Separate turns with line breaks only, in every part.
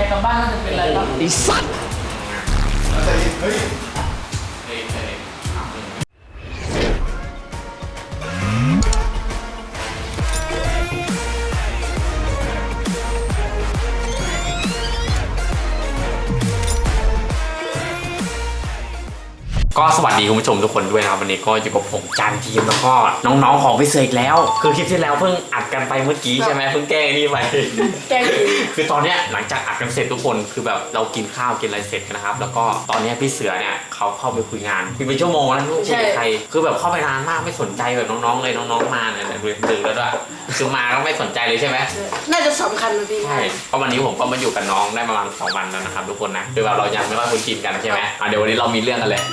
กลับบ้านน่าจะเป็นอะไรบ้าง
ไอ้สัตว์
เฮ้ย
ก็สวัสดีคุณผู้ชมทุกคนด้วยนะครับวันนี้ก็อยู่กับผมจานทีมแล้วก็น้องๆของพี่เสกแล้วคือคลิปที่แล้วเพิ่งอัดกันไปเมื่อกี้ใช่ไหมเพิ่งแก้นี่ไป
แก้
คือตอนเนี้ยหลังจากอัดกันเสร็จทุกคนคือแบบเรากินข้าวกินอะไรเสร็จนะครับแล้วก็ตอนนี้พี่เสือเนี่ยเขาเข้าไปคุยงานคุยเป็นชั่วโมงแล้วไม่คุยกับใครคือแบบเข้าไปนานมากไม่สนใจแบบน้องๆเลยน้องๆมาเนี่ยดึกแล้วด้วยคือมาก็ไม่สนใจเลยใช่ไหม
น่าจะสำคัญเลยพี่
ใช่เพราะวันนี้ผมก็มาอยู่กับน้องได้ประมาณ2 วันแล้วนะครับทุกคนนะคือแบบเรายังไม่ว่าคุณกินกันใช่ไหมเดี๋ยววันนี้เรามีเรื่องกันเลย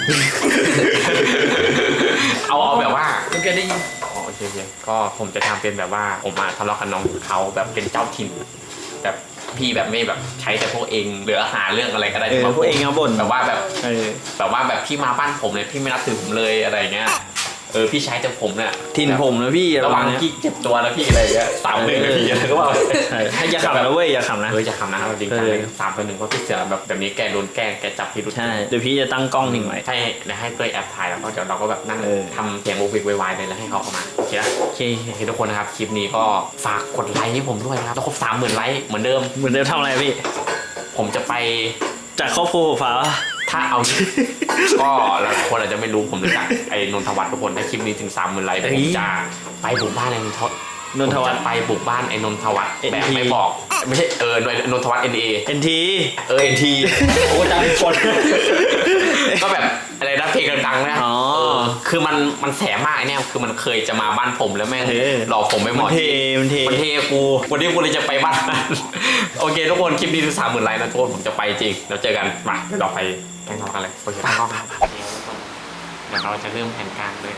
เอาแบบว่า
คุณแกได้ยิน
โอเคก็ผมจะทำเป็นแบบว่าผมมาทะเลาะกับน้องเขาแบบเป็นเจ้าถิ่นแบบพี่แบบไม่แบบใช้แต่พวกเองหรือหาเรื่องอะไรก็ได้
พวกเองเอาบ่น
แบบว่าแบบพี่มาบ้านผมเลยพี่ไม่รับถือผมเลยอะไรเงี้ยพี่ใช้แต่ผมเนี่ย
ถิ่นผมนะพี่
ระวังพี่เจ็บตัวนะพี่อะไรเงี้ย3-1นะพี่อะไรก็ว่า
อย่าขำนะเว้ยอย่าขำนะ
อย่าขำนะจริงจังเลย3-1เพราะพี่เสือแบบนี้แกโดนแกล้งแกจับพี่รุด
ใช่เดี๋ยวพี่จะตั้งกล้องทิ้งไว้
ให้เต้ยแอบถ่ายแล้วก็เดี๋ยวเราก็แบบนั่งทำเสียงโวกเวกวายเลยแล้วให้เขาเข้ามาโอเคนะโอเคทุกคนนะครับคลิปนี้ก็ฝากกดไลค์ให้ผมด้วยนะครับต้องครบ30,000 ไลค์เหมือนเดิม
ทำอะไรพี่
ผมจะไป
จากครอบครัวฟ้า
ถ้าเอาก็หลายคนอาจจะไม่รู้ผมรู้จักไอ้นนทวัฒน์ทุกคนถ้าคลิปนี้ถึง30,000 ไลค์ผมจะไปบุกบ้านไอ้นนทวัฒน์ไปบุกบ้านไอ้นนทวัฒน์แบบไม่บอกไม่ใช่นนทวัฒน์
NT
NT โอ้จำคนก็แบบอะไรนะเพลงดังๆนะคือมันแสบมากเนี่ยคือมันเคยจะมาบ้านผมแล้วแม่งหลอกผมไม่หมดมันเทกูวันนี้กูเลยจะไปบ้านโอเคทุกคนคลิปนี้ถึง30,000 ไลค์นะทุกคนผมจะไปจริงเราเจอกันมาเราไปแข่งกันเลยโอเคตั้งกล้องครับเดี๋ยวเราจะเริ่มแผนการเลย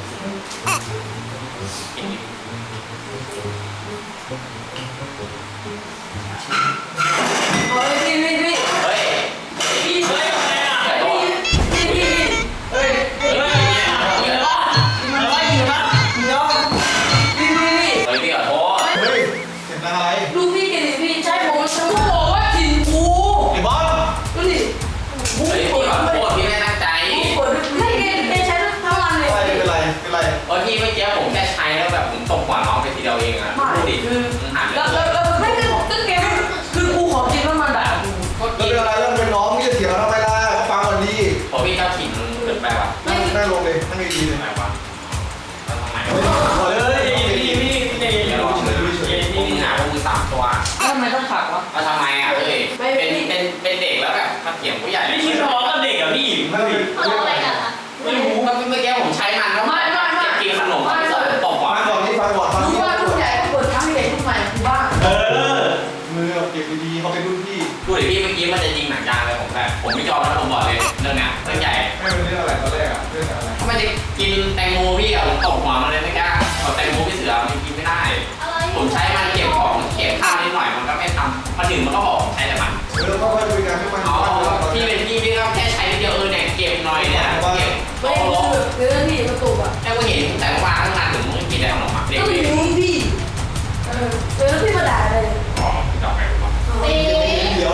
เฮ้ยพี่เฮ้ยพี่เฮ้ยอะไรอ่ะพี่เฮ้ยอยู่นะพี่ขอโทษ
เฮ้ยเห็นอะไร
ลูกพี่กินดิพี่ใช่ผมฉันก็บอกว่าถิ่นกู
ไอ้บอล
ดูดิ
พี่ขอโทษพี่ไม่ตั้งใจ
ไม่แกใช้ทั้งวันเลย
เป็นไร
พี่เมื่อกี้ผมแค่ใช้แล้วแบบผมตกหัวน้องไปทีเดียวเองอ่ะดูดิ
แล้วไม่คือตึ้งแกคือกูขอกินแล้วมันด่ากู
ก็เป็นอะไรแล้วเป็นน้องนี่จะเถียงทำไมล่ะก็ฟังก่อนดี
พอพี่เจ้าถิ่นเกิดไปว่ะ
นั่งลงเลยนั่งดีเลย
ทำไมวะ
ขอเลย
ผมหาพวกมือ3 ตัว
ทำไมต้องผักวะ
ทำไมอ่ะเป็นเด็กแล้วแบบมาเถียงผู้ใหญ่
ไม่คิดท้อกับเด็กอ่ะพี่
อะไรกันอ่ะ
ไม่รู้ก็เมื่อกี้ผมใช้มันแล้ว
ไม่
กินขนมตบหัว
ฟังก่อน
รู้ว่าผู้ใหญ่ก็เปิดทั้งเด็กผู้ใหม่กูบ้าง
มือเก็บดีๆเขาเป็นรุ่นพี่
ดูดิพี่เมื่อกี้มันจะยิงหนังยางเลยผมแบบผมไม่ยอมแล้วผมบอกเลยเรื่องเนี้ยเรื่องใหญ่
ไม่เป็นเรื่องอะไรตอนแรกอะเรื่องอะไร
ทำไมจะกินแตงโมพี่อะผมตบหัวมันเลยไม่กล้าเอาแตงโมพี่เสือมันกินไม่ได้ผมใช้มันเก็บของเก็บข้าวนิดหน่อยมันก็ไม่ทำมาถึงมันก็บอกใช้แต่มัน
ก็ค่อยคุยกันให้มัน
พี่เป็นพี่ก็แค่ใช้นิดเดียวเนี่ยเก็บหน่อยเนี่ยเก็บ
ไม่คือเรื่องที่ประตูอะ
แต่ก็เห็นแต่ว่าตั้งนานถึงมึงกินได้ขนมอ่ะเด็ก
ก็รู้พี่พี่มาด่าเลย
อ๋อดอกไม้ก่อน
เดี๋ยว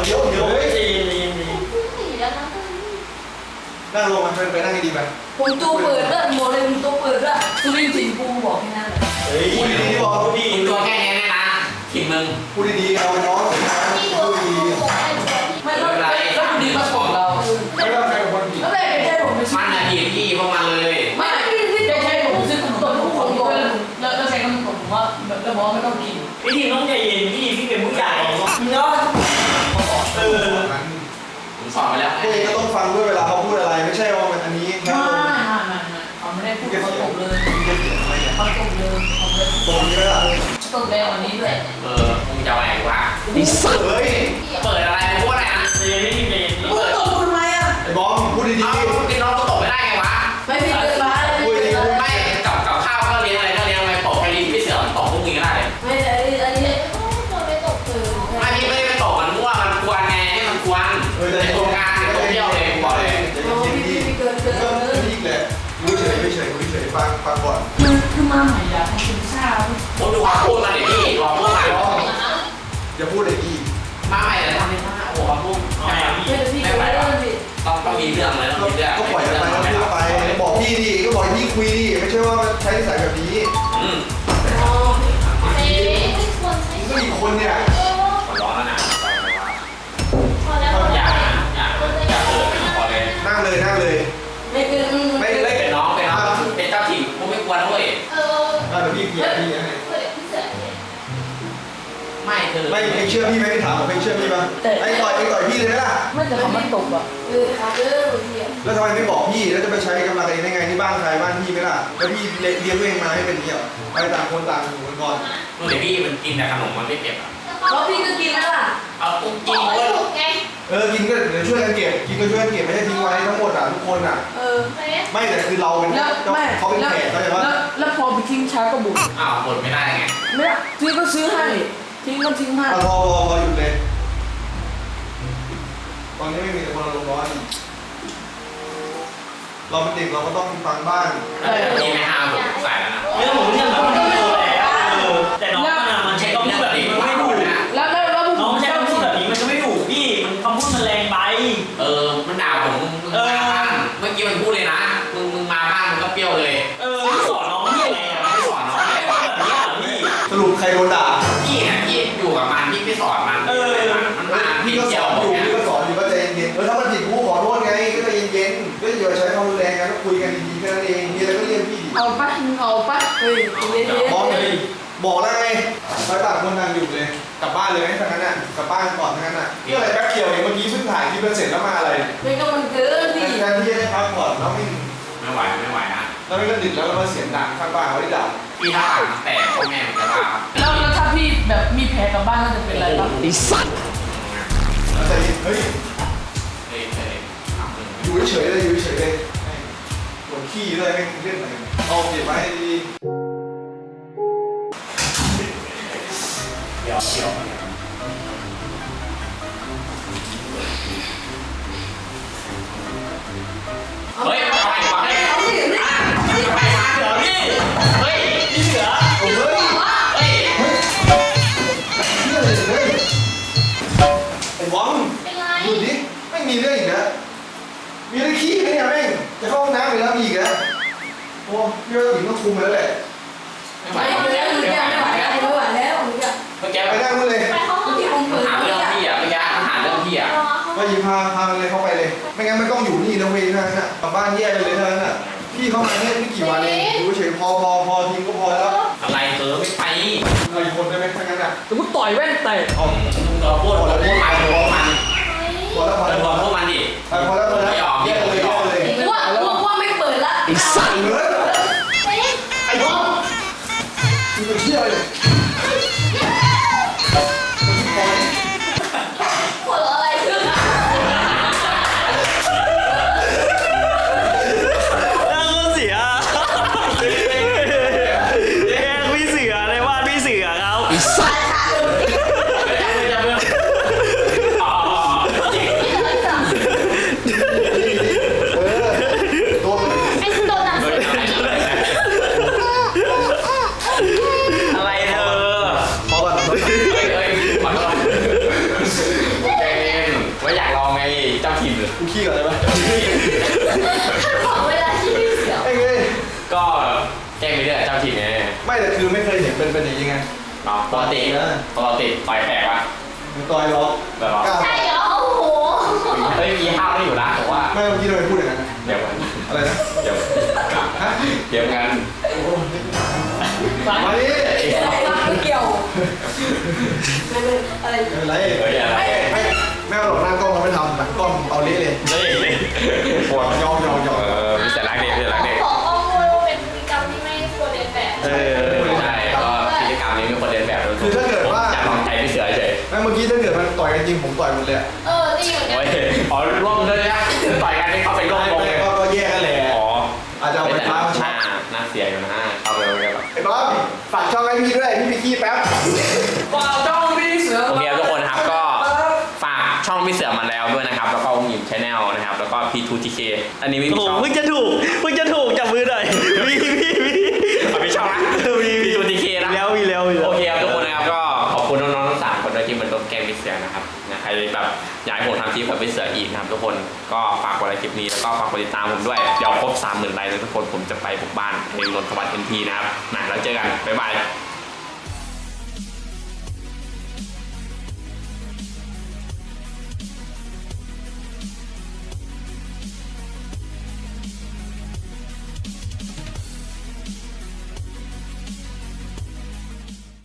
นั่งลงมาไปนั่งดีๆไป
ผมตัวเปิดด้วยโมเลยผมตัวเปิดด้วยคุณลิงถิ่นกูบอกแค่นั้นเลย
พูดดีๆบอกพูดดี
ตัวแค่นี้นะถิ่นมึง
พูดดีๆเอาน้องพูดดี
ไม่ต้องก็ดีมาบอกเรา
ไม่ต้องใครเป็นคนผิด
ก็เลยใช่ผม
มันอะดีพี่พวกมันเลย
ไม่ใช่ผมซื้อขนมต้มทุกคนแล้วใช้ขนมผมว่าแล้วบอกไม่ต้องกิน
พี่ทีต้องใจเย็นพี่เป็นผู้ใหญ่
เนาะ
ผมสอนไปแล้ว
พวกเองก็ต้องฟังด้วยเวลาเขาพูดอะไรไม่ใช่ว่ามันอันนี้
เขาไม่ได้พูดเขาตกเลยเขาตกเลย
ตรงนี้ล่ะ
ตกเลยวันนี้ด้วย
มึงจะอะไรวะ
ไอ้สัตว์เฮ้ย
เปิดอะไรพูดอะไรอ่ะ
ใจเย็นพี่ใจเย็น
พูดตกทำไมอ่ะ
ไอ้บอมพูดดี
ๆพูดกินน้องก็ตกไม่ได้ไงวะ
ไม่มีเกินมา
ไม่กับข้าวก็เลี้ยงอะไรก็เลี้ยงไปตกไปลิ้นพี่เสือมันตกพวกมึงก็ได้
ไม่อันนี้
ไม่ตกไม่ไปตกมันมั่วมันกวนไงให้มันกวนในโครงการในโซเชียลเลยบอกเลย
พี่เกิน
นี่แหละรู้เฉยฟังก่อน
คือมาใหม่อยากให้คุณทราบ
ผมดูความพูดมาเดี๋ยวพี่ลองพูดมา
อย่าพูดเลยอี
มาใหม่เลยทำไม่ได้โอ้
มาปุ๊บ
เอาไงพี่
ไม่ไหววะต้องมีเรื่องเลยต้องมีเรื่อง
ก็ปล่อยกันไปแล้วพี่ก็ไปบอกพี่ดิก็บอกให้พี่คุยดิไม่ใช่ว่าใช้นิสัยแบบนี้
อืม
ก็อีกคนเนี่ย
ขอร้องแล้วนะ
อย่าเปิดพอเลย
นั่งเลยนั่งเลย
ไม่เป็นน้องเป็นเจ้าถิ่นกูไม่กวนด้วย
เดี๋ยวพี่เกียร์พี่ให้
ไม่คือ
ไม่เองเชื่อพี่ไหมพี่ถามผมเองเชื่อพี่ป่ะไอ้ต่อยพี่เลยไหมล่ะ
ไม่แต่เขามันตกอ่ะ
แล้วทำไมไม่บอกพี่แล้วจะไปใช้กำลังเองได้ไงที่บ้านใครบ้านพี่ไหมล่ะแล้วพี่เลี้ยงตัวเองมาให้เป็นอย่างนี้เหรอไปต่างคนต่างอยู่กันก่อน
เมื่อพี่มันกินแต่ขนมมันไม่เก็บอ่ะ
แล้วพี่ก็กินแล้วล่ะ
เอาปุ๊บกินเว้ย
กินก็เดี๋ยวช่วยกันเก็บกินก็ช่วยกันเก็บไม่ใช่ทิ้งไว้ทั้งหมดทุกคนไม่แต่คือเราเป็น
แล้วไม่
เขาเป็นแขกเขาใจปะ
แล้วพอไปทิ้งช้าก็บุก
อ้าวบ่นไม่ได้ไง
เนี่ยพี่ก็ซื้อให้ทิ้งก็ทิ้งให้
พอหยุดเลยตอนนี้ไม่มีแต่คนอารมณ์ร้อนเราเป็นเด็กเราก็ต้องฟังบ้าง
พี่ไม่ห้ามผมใส่แล้วนะ
เรื่องผมเรื่องแบบนี้แล้วแต่น้องมันใช้คำพูดแบบนี้มันไม่ถูก
แล้วพวก
น้อง
ผม
ใช้คำพูดแบบนี้มันก็ไม่ถูกพี่มันคำพูดมันแรงไป
มันด่าผมมึงมาบ้านเมื่อกี้มันพูดเลยนะมึงมาบ้านมึงก็เปรี้ยวเลย
พี่สอนน้องนี่ยังไงอ่ะ
ไม่สอนน้องเลย
แบบนี้อ่ะพี่
สรุปใครโดนด่า
พี่เนี่ยพี่อยู่กับมันพี่ไม่สอนมันมันมา
พี่
พี่
ก็ส
เจีย
อ
วน
อยู่
เนี่ย
พี่ก็สอนอยู่ก็ใจเย็นถ้ามันผิดกูขอโทษไงก็ใจเย็นๆก็อย่าใช้ความรุนแรงกันก็คุยกันดีๆแค่นั้นเองมีอะไรก็เรียกพี่ดิ
เอาปะเฮ้ยเย็น
บอกแล้วไงไปต่างคนต่างอยู่เลยกลับบ้านเลยไหมทั้งนั้นน่ะกลับบ้านก่อนทั้งนั้นน่ะนี่อะไรแป๊บเดียวเองเมื่อกี้เพิ่งถ่ายคลิปเสร็จแล้วมาอะไร
ไม่ก็มันเกินพี่
แทนที่จะได้พักก่อนแล้ว
ไม่ไหวนะ
ไม่ก็ดึกแล้วเรามาเสียงดังข้างบ้านเขาได้ด่า
พี่ถ้าอ่านแต่พ่อแม่มันจะด่า
แล้วถ้าพี่แบบมีแผลกลับบ้านก็จะเป็นอะไรปะ
แล้วใจเย็นเฮ้ย
เฮ้ยทำหนึ่ง
อยู่เฉยๆเลยอยู่เฉยๆเลยปวดขี้เลยไม่เล่นอะไรเอาเก็บไว้ให้ดี
เดี๋ยว เฮ้ยไปไป
เอาดิ
เสือพี่เฮ้ยพี่เสือ
เฮ้ย
เฮ้ย
เรื่องอะไรเลยไอ้บอมดูดิไม่มีเรื่องอีกนะมีเรื่องขี้ไหมเนี่ยแม่งจะเข้าห้องน้ำไปแล้วมีอีกนะโอ้พี่ว่าถึงต้องคุมแล้วแหละ
ไม่ไหว
ไม่ไหวแล้วไม่ไหวแล้วไม่ไหวแล้ว
เมื่อกี้
ไปนั่งนู่นเลย
ที่ผมเปิด
หาเรื่องพี่อ่ะเมื่อกี้หาเรื่องพี่อ่ะ
มาหยิบพามันเลยเข้าไปเลย ไม่งั้นมันต้องอยู่นี่นะเว้ยเท่านั้นน่ะกลับบ้านแยกกันเลยเท่านั้นน่ะพี่เข้ามาเนี่ยไม่กี่วันเองดูเฉยพอทิ้งก็พอแล้ว
อะไรไม่ไป
เราอีกคนได้ไหมถ้างั้นอ่ะ
แล้วกูต่อยแว่นแตก
เอา
เราพูดมัน
พอแล้วพอแล้ว
พวกมันดิ
พอแล้วแยกเลย
ว่าไม่เปิดละ
สั่งเลยไอ้บอมมึงไปเที่ยวเลย
หัวเราะอะไรขึ้นอ่ะ
น่าเสียแกล้งพี่เสือในบ้านพี่เสือเขา
ตัวมัน
อะไรเธอ
พอก่อน
เฮ้ยขอโทษเจนว่าอยากลองไงเจ้าถิ่น
กูขี้ก่อนได้ไหม ไอ้เงย
ก็แจ้งไปเรื่อยเจ้าถิ่นไง
ไม่แต่คือไม่เคยเห็นเป็นอย่างนี้ไง
เนาะปกติต่อยแปลกวะ
มันต่อยล็อก
แบบว่า
ก้าว
เฮ้ยมีห้าวได้อยู่นะผมว่า
ไม่เมื่อกี้ทำไมพูดอย่างนั้น
เดี๋ยว
อะไรนะ
เดี๋ยว
ฮะ
เดี๋ยวกัน
มาดิ
ไม่เกี่ยวอะไร
ไม่เป็นไร
เฮ้ยอะไร
ไม่เอาหรอกหน้ากล้องเราไม่ทำหลังกล้องเอาเละเลย
เฮ้ยปวด
ยอม
มีแต่รักเด็กมีแต่รักเด็ก
ขอข้อมูลว่าเป็นพฤติกรรมที่ไม่ควรเรียนแบบ
ใช่ก็กิจกรรมนี้มีคนเรียนแบบด้วย
คือถ้าเกิดว่า
อยากลองใจพี่เสือเฉย
ไม่เมื่อกี้ถ้าเกิดมันต่อยกันจริงผมต่อยหมดเลย
ดีเหมือนกัน
โอ้ยอ๋อร่วมด้วยนะต่อยกันนี่เข้าไปร่วมวงเลย
ก็แยกกันแหละ
อ๋อ
อาจจะเอาไปท้า
น่าเสียอยู่นะเข้าไปเลยแบบ
ไอ้บ๊อบฝากช่องให้พี่ด้วยพี่ไปขี้แป๊บ
ฝากจ้องพี่เสือ
โอเคทุกคนครับก็ฝากช่องพี่เสือมาแล้วด้วยนะครับแล้วก็วงหยิมชาแนลนะครับแล้วก็ P2TK อันนี้ไม่
โอ้
มี
โห
ช่อง
เพิ่งจะถูกจับมือหน่อยพี่
มีช่องนะ P2TK นะ
มีแล้ว
โอเคครับทุกคนนะครับก็ขอบคุณน้องๆทั้ง3คนด้วยที่มาร่วมแกล้งพี่เสือนะครับนะใครแบบอยากให้ผมทำคลิปแบบพี่เสืออีกนะครับทุกคนก็ฝากกดไลค์คลิปนี้แล้วก็ฝากกดติดตามผมด้วยเดี๋ยวครบ 30,000 ไลค์แล้วทุกคนผมจะไปบุกบ้านในนนทวัฒน์ NT นะครับแล้วเจอกันบ๊ายบาย